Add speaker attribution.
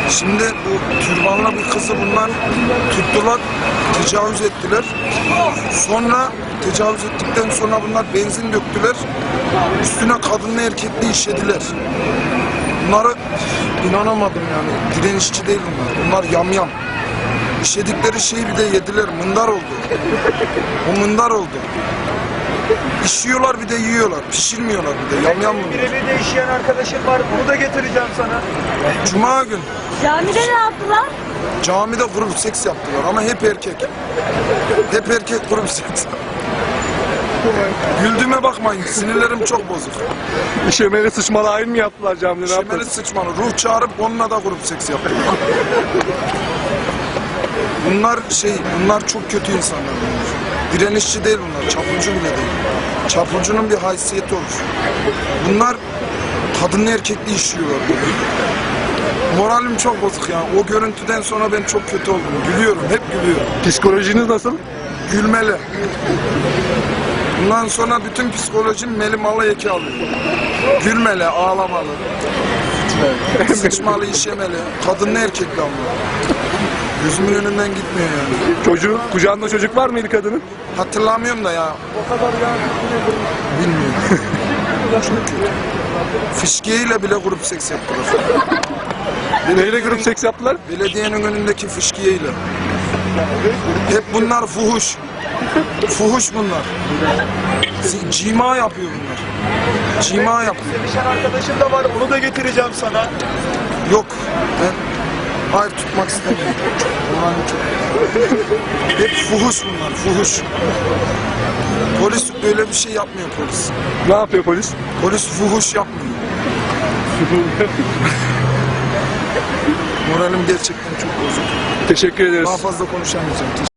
Speaker 1: Şimdi bu türbanlı bir kızı bunlar tuttular, tecavüz ettiler. Sonra tecavüz ettikten sonra bunlar benzin döktüler. Üstüne kadınla erkekli işlediler. Bunları inanamadım yani. Direnişçi değil bunlar. Bunlar yamyam. İşledikleri şeyi bir de yediler. Mındar oldu. O mındar oldu. İşiyorlar bir de yiyorlar. Pişirmiyorlar bir de. Yamyam bunlar.
Speaker 2: Birebir de işleyen arkadaşım var. Bunu da getireceğim sana.
Speaker 1: Cuma gün
Speaker 3: Camide ne yaptılar?
Speaker 1: camide grup seks yaptılar ama hep erkek. Hep erkek grup seks. Güldüğüme bakmayın. Sinirlerim çok bozuk.
Speaker 4: İşemeli sıçmalı ayin mi yaptılar camide? Ne
Speaker 1: Şemeli
Speaker 4: yaptılar?
Speaker 1: sıçmalı. Ruh çağırıp onunla da grup seks yaptılar. Bunlar çok kötü insanlar. Direnişçi değil bunlar. Çapulcu bile değil. Çapulcunun bir haysiyeti olur. Bunlar kadınlı erkekli işliyorlar. Moralim çok bozuk ya. O görüntüden sonra ben çok kötü oldum. Gülüyorum. Hep gülüyorum.
Speaker 4: Psikolojiniz nasıl?
Speaker 1: Gülmeli. Bundan sonra bütün psikolojim melimalı eki alıyor. Gülmeli, ağlamalı. Sıçmalı, işemeli. Kadınlı erkekli ama. Gözümün önünden gitmiyor yani.
Speaker 4: Kucağında çocuk var mıydı kadının?
Speaker 1: Hatırlamıyorum da ya. Bilmiyorum. Çok kötü. Fışkiyeyle bile grup seks yaptılar.
Speaker 4: Neyle grup seks yaptılar?
Speaker 1: Belediyenin önündeki fışkiyeyle. Hep bunlar fuhuş. Fuhuş bunlar. Cima yapıyor bunlar. Cima yapıyor.
Speaker 2: İşleyen arkadaşım da var. Onu da getireceğim sana.
Speaker 1: Yok. Hayır tutmak istemiyorum. Moralim çok. Hep fuhuş bunlar. Fuhuş. Polis böyle bir şey yapmıyor polis.
Speaker 4: Ne yapıyor polis?
Speaker 1: Polis fuhuş yapmıyor. Moralim gerçekten çok bozuk.
Speaker 4: Teşekkür ederiz.
Speaker 1: Daha fazla konuşamayacağım.